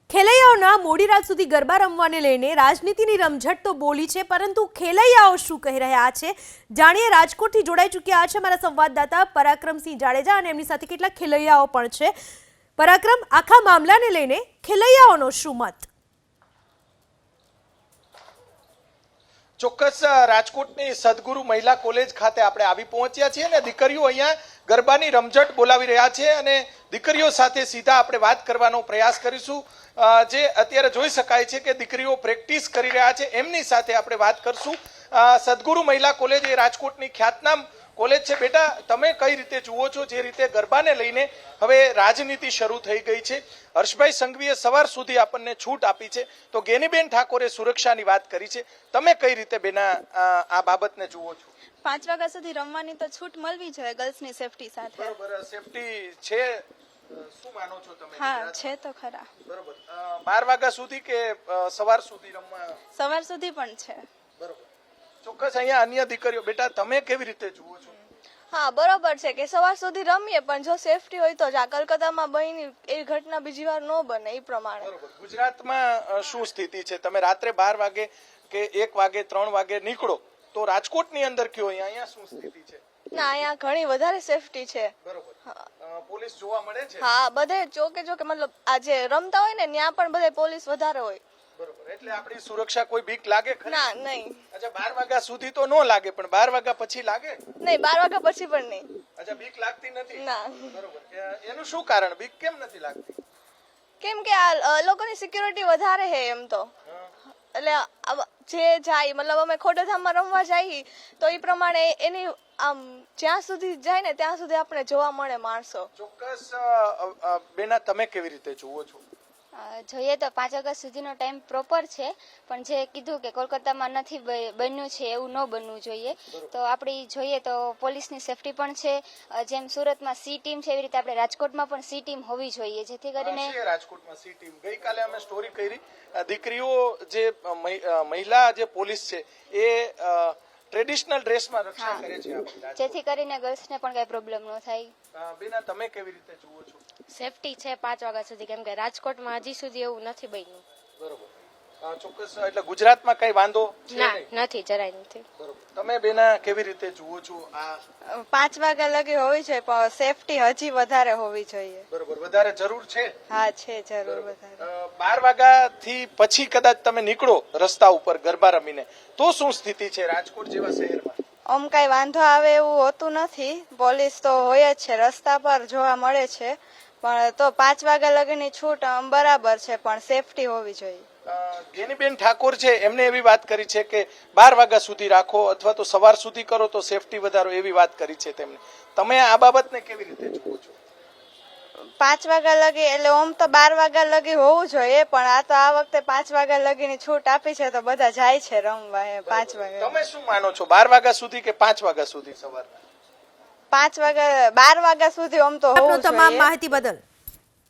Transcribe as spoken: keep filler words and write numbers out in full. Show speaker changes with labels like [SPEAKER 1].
[SPEAKER 1] ખેલૈયાઓના મોડી રાત સુધી ગરબા રમવાને લઈને રાજનીતિની રમઝટ તો બોલી છે, પરંતુ ખેલૈયાઓ શું કહી રહ્યા છે જાણીએ। રાજકોટથી જોડાઈ ચૂક્યા છે અમારા સંવાદદાતા પરાક્રમસિંહ જાડેજા અને એમની સાથે કેટલાક ખેલૈયાઓ પણ છે। પરાક્રમ, આખા મામલાને લઈને ખેલૈયાઓનો શું મત?
[SPEAKER 2] ચોક્કસ રાજકોટની સદગુરુ મહિલા કોલેજ ખાતે આપણે આવી પહોંચ્યા છીએ અને દીકરીઓ અહીંયા ગરબાની રમઝટ બોલાવી રહ્યા છે અને દીકરીઓ સાથે સીધા આપણે વાત કરવાનો પ્રયાસ કરીશું। જે અત્યારે જોઈ શકાય છે કે દીકરીઓ પ્રેક્ટિસ કરી રહ્યા છે, એમની સાથે આપણે વાત કરશું। સદગુરુ મહિલા કોલેજ એ રાજકોટની ખ્યાતનામ કોલેજ છે। બેટા, તમે કઈ રીતે જુઓ છો જે રીતે ગરબાને લઈને હવે રાજનીતિ શરૂ થઈ ગઈ છે? હર્ષભાઈ સંઘવીએ સવાર સુધી આપણને છૂટ આપી છે, તો ગેનીબેન ઠાકોરે સુરક્ષાની વાત કરી છે। તમે કઈ રીતે બેના આ બાબતને જુઓ છો?
[SPEAKER 3] પાંચ વાગ્યા સુધી રમવાની તો છૂટ મળવી જોઈએ ગર્લ્સની સેફટી સાથે।
[SPEAKER 2] બરોબર, સેફટી છે, શું માનો છો તમે?
[SPEAKER 3] હા, છે તો ખરા।
[SPEAKER 2] બરોબર, બાર વાગ્યા સુધી કે સવાર સુધી રમવા?
[SPEAKER 3] સવાર સુધી પણ છે।
[SPEAKER 2] બરોબર, ચોક્કસ અહીંયા અન્ય દીકરીઓ, બેટા તમે કેવી રીતે જુઓ છો?
[SPEAKER 4] હા, બરોબર છે કે સવાર સુધી રમીએ, પણ જો સેફટી હોય તો જ આ કલકત્તામાં બની એવી ઘટના બીજી વાર ન બને એ પ્રમાણે।
[SPEAKER 2] બરોબર, ગુજરાતમાં શું સ્થિતિ છે? તમે રાત્રે બાર વાગે કે એક વાગે ત્રણ વાગે નીકળો તો રાજકોટની અંદર કયો અહીંયા શું સ્થિતિ છે?
[SPEAKER 4] ના, અહીંયા ઘણી વધારે સેફટી છે।
[SPEAKER 2] બરોબર, પોલીસ જોવા મળે છે?
[SPEAKER 4] હા, બધે ચોકે ચોકે, મતલબ આ જે રમતા હોય ને ત્યાં પણ બધે પોલીસ વધારે હોય।
[SPEAKER 2] બરોબર, એટલે આપણી સુરક્ષા કોઈ બીક લાગે ખરી?
[SPEAKER 4] ના, નહીં।
[SPEAKER 2] અચ્છા, બાર વાગ્યા સુધી તો ન લાગે, પણ બાર વાગ્યા પછી લાગે?
[SPEAKER 4] નહીં, બાર વાગ્યા પછી પણ નહીં।
[SPEAKER 2] અચ્છા, બીક લાગતી નથી?
[SPEAKER 4] ના।
[SPEAKER 2] બરોબર, એનું શું કારણ? બીક કેમ નથી લાગતી?
[SPEAKER 4] કેમ કે આ લોકોની સિક્યુરિટી વધારે છે એમ તો, એટલે જે જાય, મતલબ અમે ખોડલધામમાં રમવા જઈએ તો એ પ્રમાણે એની આમ જ્યાં સુધી જાય ને ત્યાં સુધી આપણે જોવા મળે માણસો।
[SPEAKER 2] ચોક્કસ બેના, તમે કેવી રીતે જુઓ છો?
[SPEAKER 5] જોઈએ તો પાંચ ઓગસ્ટ સુધીનો ટાઈમ પ્રોપર છે, પણ જે કીધું કે કોલકાતામાં નથી બન્યું છે એવું ન બનવું જોઈએ। તો આપણી જોઈએ તો પોલીસની સેફટી પણ છે, જેમ સુરતમાં સી ટીમ છે એવી રીતે આપણે રાજકોટમાં પણ સી ટીમ હોવી જોઈએ, જેથી કરીને
[SPEAKER 2] રાજકોટમાં સી ટીમ ગઈકાલે અમે સ્ટોરી કરી, દીકરીઓ જે મહિલા જે પોલીસ છે એ ટ્રેડિશનલ ડ્રેસમાં રક્ષા કરે છે,
[SPEAKER 5] જેથી કરીને ગર્લ્સને પણ કઈ પ્રોબ્લેમ ન થાય।
[SPEAKER 2] બેના, તમે કેવી રીતે જુઓ છો?
[SPEAKER 6] સેફટી છે પાંચ વાગ્યા સુધી, કેમ કે રાજકોટમાં હજી સુધી એવું નથી બન્યું।
[SPEAKER 2] બરોબર, ચોક્કસ, એટલે ગુજરાતમાં કઈ વાંધો
[SPEAKER 6] ના નથી, જરાય નથી।
[SPEAKER 2] બરોબર, તમે બેના કેવી રીતે જુઓ છો? આ
[SPEAKER 3] પાંચ વાગ્યા લગી હોવી જોઈએ, પણ સેફટી હજી વધારે હોવી જોઈએ।
[SPEAKER 2] બરોબર, વધારે જરૂર છે?
[SPEAKER 3] હા, છે જરૂર વધારે।
[SPEAKER 2] બાર વાગ્યા થી પછી કદાચ તમે નીકળો રસ્તા ઉપર ગરબા રમીને તો શું સ્થિતિ છે રાજકોટ જેવા શહેરમાં?
[SPEAKER 3] આમ કઈ વાંધો આવે એવું હોતું નથી, પોલીસ તો હોય જ છે, રસ્તા પર જોવા મળે છે, પણ તો પાંચ વાગ્યા લગીની છૂટ બરાબર છે, પણ સેફટી હોવી જોઈએ।
[SPEAKER 2] ગેનીબેન ઠાકોર છે, એમને એવી વાત કરી છે કે બાર વાગ્યા સુધી રાખો અથવા તો સવાર સુધી કરો તો સેફટી વધારો, એવી વાત કરી છે તેમને। તમે આ બાબતને કેવી રીતે જુઓ છો?
[SPEAKER 3] પાંચ વાગ્યા લગી એટલે ઓમ તો બાર વાગ્યા લગી હોવું જોઈએ, પણ આ તો આ વખતે પાંચ વાગ્યા લગીની છૂટ આપી છે તો બધા જાય છે રમવા પાંચ વાગ્યા।
[SPEAKER 2] તમે શું માનો છો, બાર વાગ્યા સુધી કે પાંચ વાગ્યા સુધી સવારના?
[SPEAKER 3] પાંચ વાગ્યા બાર વાગ્યા સુધી ઓમ તો હોવું
[SPEAKER 1] તમામ
[SPEAKER 3] જોઈએ।
[SPEAKER 1] માહિતી બદલ